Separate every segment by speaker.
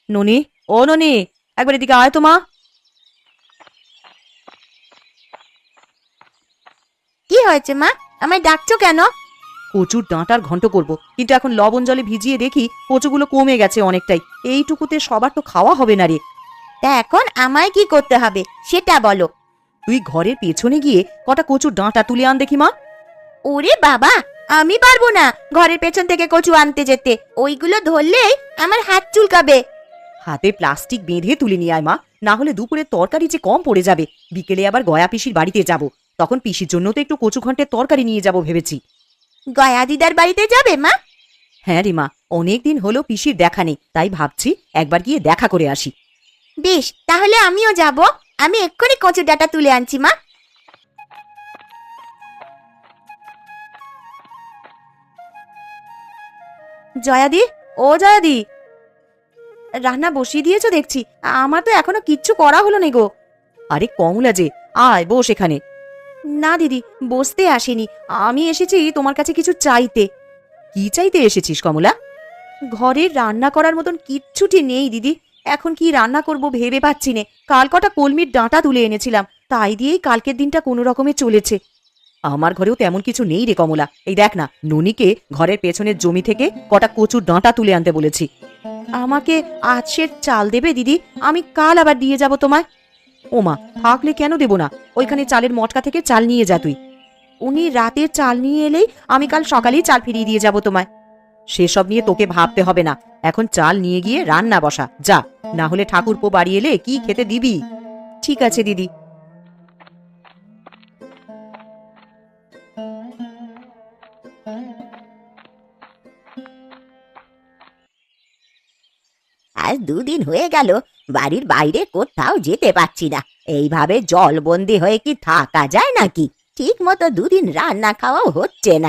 Speaker 1: ননি, ও ননি, একবার এদিকে আয় তো মা।
Speaker 2: কি হয়েছে মা? আমায় ডাকছো কেন?
Speaker 1: কচুর ডাঁটার ঘন্ট করব, কিন্তু এখন লবণ জলে ভিজিয়ে দেখি কচুগুলো কমে গেছে অনেকটাই। এইটুকুতে সবার তো খাওয়া হবে না রে।
Speaker 2: তা এখন আমায় কি করতে হবে সেটা বলো।
Speaker 1: তুই ঘরের পেছনে গিয়ে কটা কচুর ডাঁটা তুলে আন দেখি মা।
Speaker 2: ওরে বাবা, আমি পারবো না ঘরের পেছন থেকে কচু আনতে যেতে। ওইগুলো ধরলেই আমার হাত চুলকাবে।
Speaker 1: হাতে প্লাস্টিক বেঁধে তুলে নিয়ে আয় মা, না হলে দুপুরের তরকারি যে কম পড়ে যাবে। বিকেলে আবার গয়া পিসির বাড়িতে যাব, তখন পিসির জন্য তো একটু কচু ঘন্টের তরকারি নিয়ে যাব ভেবেছি।
Speaker 2: গয়া দিদার বাড়িতে যাবে মা?
Speaker 1: হ্যাঁ রে মা, অনেকদিন হলো পিসির দেখা নেই, তাই ভাবছি একবার গিয়ে দেখা করে আসি।
Speaker 2: বেশ, তাহলে আমিও যাব। আমি এক্ষুনি কচু ডাঁটা তুলে আনছি মা।
Speaker 1: জয়াদি, ও জয়াদি, রান্না বসিয়ে দিয়েছো দেখছি। আমার তো এখনো কিচ্ছু করা হলো না গো। আরে কমলা যে, আয় বস এখানে। না দিদি, বসতে আসিনি, আমি এসেছি তোমার কাছে কিছু চাইতে। কি চাইতে এসেছিস কমলা? ঘরে রান্না করার মতন কিচ্ছুটি নেই দিদি, এখন কি রান্না করব ভেবে পাচ্ছি নে। কাল কটা কলমির ডাঁটা তুলে এনেছিলাম, তাই দিয়েই কালকের দিনটা কোনো রকমে চলেছে। আমার ঘরেও তেমন কিছু নেই রে কমলা। এই দেখ না, ননিকে ঘরের পেছনের জমি থেকে কটা কচুর ডাঁটা তুলে আনতে বলেছি। আমাকে আজ সের চাল দেবে দিদি? আমি কাল আবার দিয়ে যাব তোমায়। ওমা, থাকলে কেন দেব না, ওইখানে চালের মটকা থেকে চাল নিয়ে যা তুই। উনি রাতের চাল নিয়ে এলেই আমি কাল সকালেই চাল ফিরিয়ে দিয়ে যাব তোমায়। সেসব নিয়ে তোকে ভাবতে হবে না, এখন চাল নিয়ে গিয়ে রান্না বসা যা, না হলে ঠাকুরপো বাড়ি এলে কি খেতে দিবি? ঠিক আছে দিদি।
Speaker 2: আজ দুদিন হয়ে গেল বাড়ির বাইরে কোথাও যেতে পারছি না। এইভাবে জলবন্দি হয়ে কি থাকা যায় নাকি? ঠিক মতো দুদিন রান্না খাওয়াও হচ্ছে না।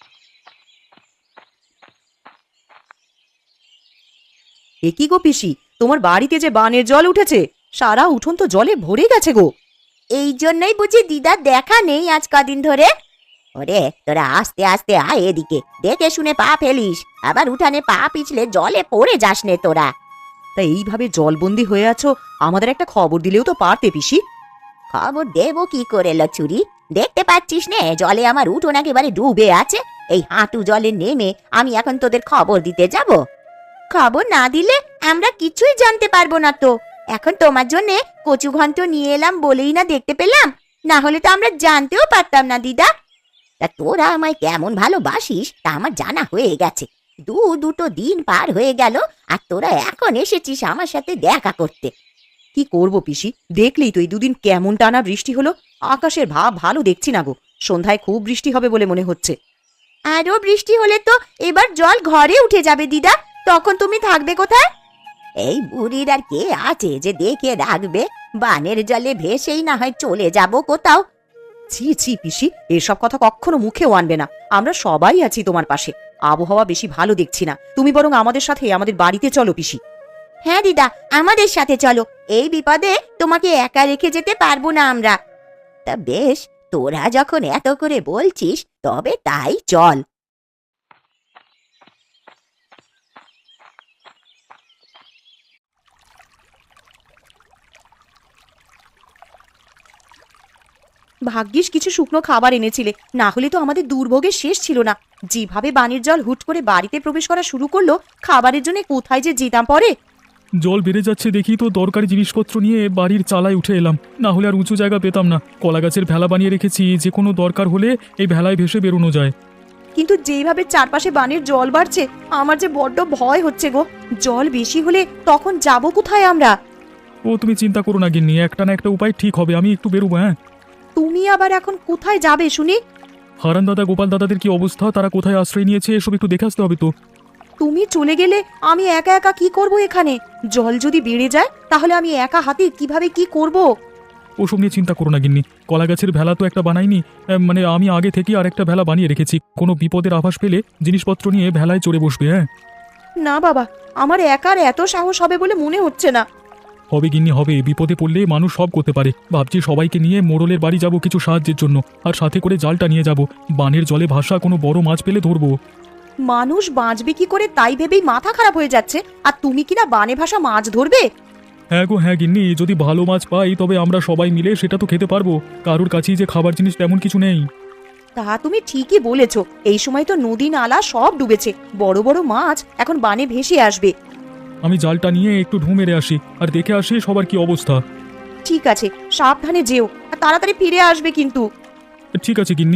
Speaker 1: এ কি গো পিসি, তোমার বাড়িতে যে বানের জল উঠেছে, সারা উঠোন তো জলে ভরে গেছে গো।
Speaker 2: এই জন্যই বুঝি দিদার দেখা নেই আজ কদিন ধরে। ওরে তোরা আস্তে আস্তে আয় এদিকে, দেখে শুনে পা ফেলিস, আবার উঠানে পা পিছলে জলে পড়ে যাস নে তোরা।
Speaker 1: তা এইভাবে জলবন্দি হয়ে আছো, আমাদের একটা খবর দিলেও তো পারতে পিসি।
Speaker 2: খবর দেবো কি করে লচুরি? দেখতে পাচ্ছিস নে জলে আমার উঠোন একেবারে ডুবে আছে। এই হাঁটু জলে নেমে আমি এখন তোদের খবর দিতে যাব? খবর না দিলে আমরা কিছুই জানতে পারবো না তো। এখন তোমার জন্যে কচু ঘন্ট নিয়ে এলাম বলেই না দেখতে পেলাম, না হলে তো আমরা জানতেও পারতাম না দিদা। তা তোরা আমায় কেমন ভালোবাসিস তা আমার জানা হয়ে গেছে। দুটো দিন পার হয়ে গেল আর তোরা এখন এসেছিস আমার সাথে দেখা করতে।
Speaker 1: কি করব পিসি, দেখলেই তো এই দুদিন কেমন টানা বৃষ্টি হলো। আকাশের ভাব ভালো দেখছি না গো, সন্ধ্যায় খুব বৃষ্টি হবে বলে মনে হচ্ছে।
Speaker 2: আরো বৃষ্টি হলে তো এবার জল ঘরে উঠে যাবে দিদা, তখন তুমি থাকবে কোথায়? এই বুড়ির আর কে আছে যে দেখে রাখবে? বানের জলে ভেসেই না হয় চলে যাব কোথাও।
Speaker 1: ছি ছি পিসি, এসব কথা কখনো মুখেও আনবে না। আমরা সবাই আছি তোমার পাশে। আবহাওয়া বেশি ভালো দেখছি না, তুমি বরং আমাদের সাথে আমাদের বাড়িতে চলো পিসি।
Speaker 2: হ্যাঁ দিদা, আমাদের সাথে চলো, এই বিপদে তোমাকে একা রেখে যেতে পারবো না আমরা। তা বেশ, তোরা যখন এত করে বলছিস তবে তাই চল।
Speaker 1: ভাগ্যিস কিছু শুকনো খাবার এনেছিলে, না হলে তো আমাদের দুর্ভোগের শেষ ছিল না। যেভাবে বানের জল হুট করে বাড়িতে প্রবেশ করা শুরু করলো, খাবারের জন্য কোথায় যে যেতাম পরে।
Speaker 3: জল বেড়ে যাচ্ছে দেখি তো দরকারি জিনিসপত্র নিয়ে বাড়ির চালায় উঠে এলাম, না হলে আর উঁচু জায়গা পেতাম না। কলা গাছের ভেলা বানিয়ে রেখেছি, যে কোনো দরকার হলে এই ভেলায় ভেসে বেরোনো যায়।
Speaker 1: কিন্তু যেইভাবে চারপাশে বানের জল বাড়ছে, আমার যে বড্ড ভয় হচ্ছে গো। জল বেশি হলে তখন যাব কোথায় আমরা?
Speaker 3: ও তুমি চিন্তা করো না গিন্নি, একটা না একটা উপায় ঠিক হবে, আমি একটু বেরোবো। হ্যাঁ,
Speaker 1: তুমি আবার এখন কোথায় যাবে শুনি?
Speaker 3: হারান দাদা গোপাল দাদাদের কি অবস্থা, তারা কোথায় আশ্রয় নিয়েছে এসব একটু দেখে আসতে হবে তো।
Speaker 1: তুমি চলে গেলে আমি একা একা কি করব এখানে? জল যদি বেড়ে যায় তাহলে আমি একা হাতে কিভাবে কি করব?
Speaker 3: ওসব নিয়ে চিন্তা করো না গিন্নি, কলা গাছের ভেলা তো একটা বানাইনি, মানে আমি আগে থেকেই আর একটা ভেলা বানিয়ে রেখেছি। কোনো বিপদের আভাস পেলে জিনিসপত্র নিয়ে ভেলায় চড়ে বসবে। হ্যাঁ
Speaker 1: না বাবা, আমার একার এত সাহস হবে বলে মনে হচ্ছে না।
Speaker 3: হবে গিন্নি হবে, বিপদে পড়লে মানুষ সব করতে পারে। ভাবছি সবাইকে নিয়ে মোড়লের বাড়ি যাব কিছু সাহায্যের জন্য, আর সাথে করে জালটা নিয়ে যাব। বানের জলে ভাসা কোনো বড় মাছ পেলে ধরবো।
Speaker 1: মানুষ বাঁচবে কি করে তাই ভেবেই মাথা খারাপ হয়ে যাচ্ছে, আর তুমি কিনা বানে ভাষা মাছ ধরবে?
Speaker 3: হ্যাঁ গো হ্যাঁ গিন্নি, যদি ভালো মাছ পাই তবে আমরা সবাই মিলে সেটা তো খেতে পারবো। কারোর কাছেই যে খাবার জিনিস তেমন কিছু নেই।
Speaker 1: তা তুমি ঠিকই বলেছ, এই সময় তো নদী নালা সব ডুবেছে, বড় বড় মাছ এখন বানে ভেসে আসবে।
Speaker 3: আমি জালটা নিয়ে একটু ঢু মেরে আসি আর দেখে আসি সবার কি অবস্থা।
Speaker 1: ঠিক আছে, সাবধানে যেও, আর তাড়াতাড়ি ফিরে আসবে কিন্তু।
Speaker 3: ঠিক আছে গিন্নি।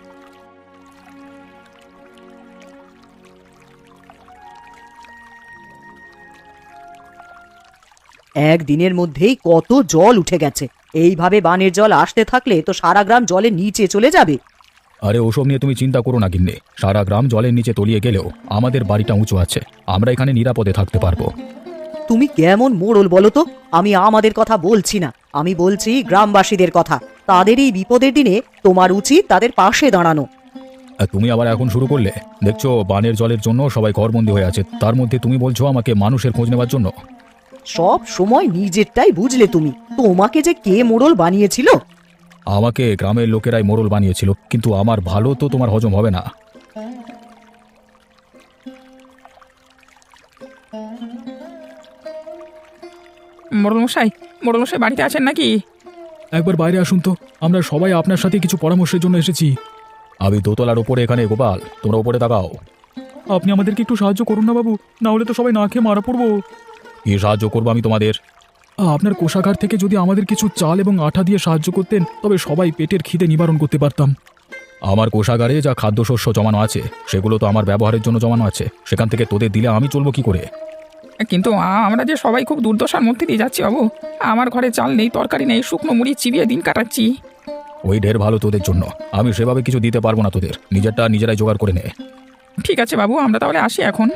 Speaker 1: একদিনের মধ্যেই কত জল উঠে গেছে, এইভাবে বানের জল আসতে থাকলে তো সারা গ্রাম জলের নিচে চলে যাবে।
Speaker 4: আরে ওসব নিয়ে তুমি চিন্তা করো না গিন্নি, সারা গ্রাম জলের নিচে তলিয়ে গেলেও আমাদের বাড়িটা উঁচু আছে, আমরা এখানে নিরাপদে থাকতে পারবো।
Speaker 1: তুমি কেমন মোড়ল বলো তো? আমি আমাদের কথা বলছি না, আমি বলছি গ্রামবাসীদের কথা। তাদের এই বিপদের দিনে তোমার উচিত তাদের পাশে দাঁড়ানো।
Speaker 4: আর তুমি আবার এখন শুরু করলে? দেখছো বানের জলের জন্য সবাই ঘরবন্দি হয়ে আছে, তার মধ্যে তুমি বলছো আমাকে মানুষের খোঁজ নেওয়ার জন্য?
Speaker 1: সব সময় নিজেরটাই বুঝলে তুমি, তোমাকে যে কে মোড়ল বানিয়েছিল?
Speaker 4: আমাকে গ্রামের লোকেরাই মোড়ল বানিয়েছিল, কিন্তু আমার ভালো তো তোমার হজম হবে না।
Speaker 5: মোড়লমশাই, মোড়লমশাই বাড়িতে আছেন নাকি?
Speaker 3: একবার বাইরে আসুন তো, আমরা সবাই আপনার সাথে কিছু পরামর্শের জন্য এসেছি।
Speaker 4: আমি দোতলার ওপরে এখানে, গোপাল তোমরা ওপরে তাকাও।
Speaker 3: আপনি আমাদেরকে একটু সাহায্য করুন না বাবু, না হলে তো সবাই না খেয়ে মারা পড়বো।
Speaker 4: কি সাহায্য করবো আমি তোমাদের?
Speaker 3: আপনার কোষাগার থেকে যদি আমাদের কিছু চাল এবং আটা দিয়ে সাহায্য করতেন তবে সবাই পেটের খিদে নিবারণ করতে পারতাম।
Speaker 4: আমার কোষাগারে যা খাদ্যশস্য জমানো আছে সেগুলো তো আমার ব্যবহারের জন্য জমানো আছে, সেখান থেকে তোদের দিলে আমি চলবো কি করে?
Speaker 5: কিন্তু আমরা যে সবাই খুব দুর্দশার মধ্যে দিয়ে যাচ্ছি বাবু। আমার ঘরে চাল নেই, তরকারি নেই, শুকনো মুড়ি চিবিয়ে দিন কাটাচ্ছি।
Speaker 4: ওই ঢের ভালো তোদের জন্য, আমি সেভাবে কিছু দিতে পারবো না তোদের, নিজেরটা নিজেরাই জোগাড় করে নে।
Speaker 5: ঠিক আছে বাবু, আমরা তাহলে আসি এখন।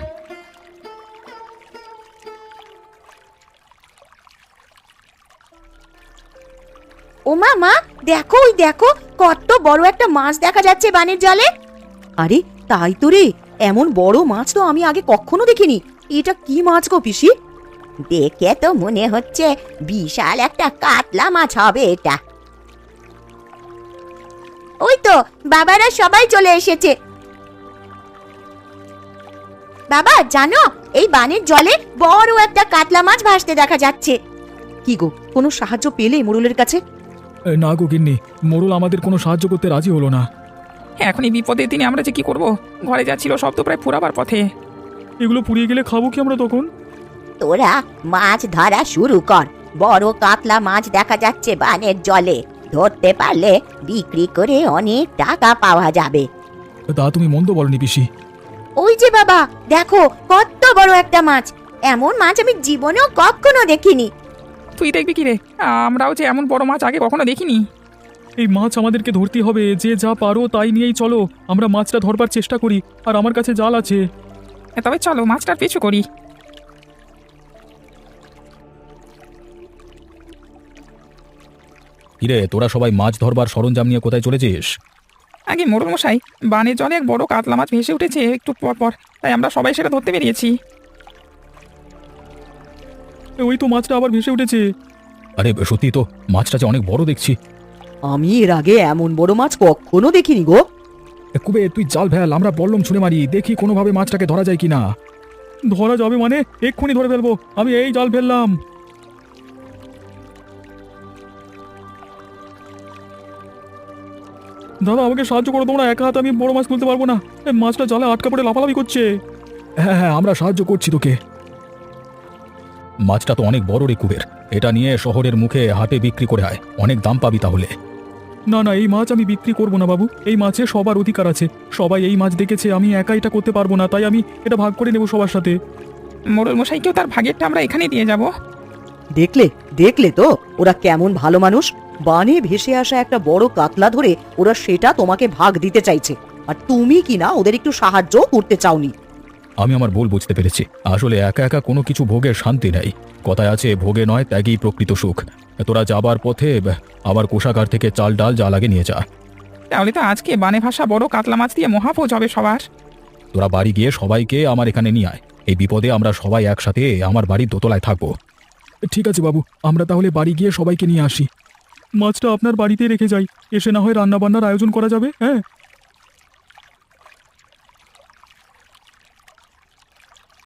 Speaker 2: ও মা, দেখো ওই দেখো, কত বড় একটা মাছ দেখা যাচ্ছে বানের জলে।
Speaker 1: আরে তাই তো রে, এমন বড় মাছ তো আমি আগে কখনো দেখিনি। এটা কি মাছ গো পিসি?
Speaker 2: দেখে তো মনে হচ্ছে বিশাল একটা কাতলা মাছ হবে এটা। ওই তো বাবারা সবাই চলে এসেছে। বাবা জানো, এই বানের জলে বড় একটা কাতলা মাছ ভাসতে দেখা যাচ্ছে।
Speaker 1: কি গো, কোনো সাহায্য পেলে মোড়লের কাছে?
Speaker 3: না গো গিন্নি, মোড়ল আমাদের কোনো সাহায্য করতে রাজি হলো না।
Speaker 5: এখন এই বিপদের দিনে আমরা যে কি করব? ঘরে যা ছিল সব তো প্রায় ফুরাবার পথে।
Speaker 3: এগুলো পুড়িয়ে গেলে খাবো কি আমরা তখন?
Speaker 2: তোরা মাছ ধরা শুরু কর, বড় কাতলা মাছ দেখা যাচ্ছে বানের জলে। ধরতে পারলে বিক্রি করে অনেক টাকা পাওয়া যাবে।
Speaker 3: তা তুমি মন্দ বলনি পিসি।
Speaker 2: ওই যে বাবা দেখো, কত বড় একটা মাছ। এমন মাছ আমি জীবনেও কখনো দেখিনি।
Speaker 5: তুই দেখবি কি রে? আমরাও যে এমন বড় মাছ আগে কখনো দেখিনি।
Speaker 3: এই মাছ আমাদেরকে ধরতে হবে, যে যা পারো তাই নিয়েই চলো, আমরা মাছটা ধরবার চেষ্টা করি, আর আমার কাছে জাল আছে।
Speaker 5: তবে চলো মাছটার পিছু করি।
Speaker 4: কিরে তোরা সবাই মাছ ধরবার সরঞ্জাম নিয়ে কোথায় চলেছিস?
Speaker 5: আগে মোড়লমশাই, বানের জলে এক বড় কাতলা মাছ ভেসে উঠেছে একটু পর পর, তাই আমরা সবাই সেটা ধরতে বেরিয়েছি।
Speaker 3: ওই তো মাছটা আবার ভেসে উঠেছে।
Speaker 4: আরে সত্যি তো, মাছটা যে অনেক বড় দেখছি।
Speaker 1: আমি এর আগে এমন বড় মাছ কখনো দেখিনি গো।
Speaker 3: কুবে তুই জাল ফেল, আমরা বল্লম ছুঁড়ে মারি, দেখি কোনোভাবে মাছটাকে ধরা যায় কিনা। ধরা যাবে মানে? এক্ষুনি ধরে ফেলবো, আমি এই জাল ফেললাম। দাদা আমাকে সাহায্য করো তোমরা, একা হাতে আমি বড় মাছ তুলতে পারবো না, এই মাছটা জালে আটকা পড়ে লাফালাফি করছে। হ্যাঁ হ্যাঁ, আমরা সাহায্য করছি তোকে।
Speaker 4: মাছটা তো অনেক বড় রে কুবের, এটা নিয়ে শহরের মুখে হাটে বিক্রি করে আয়, অনেক দাম পাবি তাহলে।
Speaker 3: না না, এই মাছ আমি বিক্রি করবো না বাবু, এই মাছে সবার অধিকার আছে, সবাই এই মাছ দেখেছে, আমি একা এটা করতে পারবো না, তাই আমি এটা ভাগ করে নেবো সবার সাথে।
Speaker 5: মোড়লমশাইকেও তার ভাগেরটা আমরা এখানে দিয়ে যাব।
Speaker 1: দেখলে দেখলে তো ওরা কেমন ভালো মানুষ। বানে ভেসে আসা একটা বড় কাতলা ধরে ওরা সেটা তোমাকে ভাগ দিতে চাইছে, আর তুমি কিনা ওদের একটু সাহায্য করতে চাওনি।
Speaker 4: আমি আমার ভুল বুঝতে পেরেছি, আসলে একা একা কোনো কিছু ভোগের শান্তি নেই, কথায় আছে ভোগে নয় ত্যাগই প্রকৃত সুখ। তোরা যাবার পথে আবার কোষাগার থেকে চাল ডাল যা লাগে নিয়ে যা।
Speaker 5: তাহলে তো আজকে বানে ভাষা বড় কাতলা মাছ দিয়ে মহাভোজ হবে সবার।
Speaker 4: তোরা বাড়ি গিয়ে সবাইকে আমার এখানে নিয়ে আয়, এই বিপদে আমরা সবাই একসাথে আমার বাড়ির দোতলায় থাকবো।
Speaker 3: ঠিক আছে বাবু, আমরা তাহলে বাড়ি গিয়ে সবাইকে নিয়ে আসি। মাছটা আপনার বাড়িতে রেখে যাই, এসে না হয় রান্না বান্নার আয়োজন করা যাবে। হ্যাঁ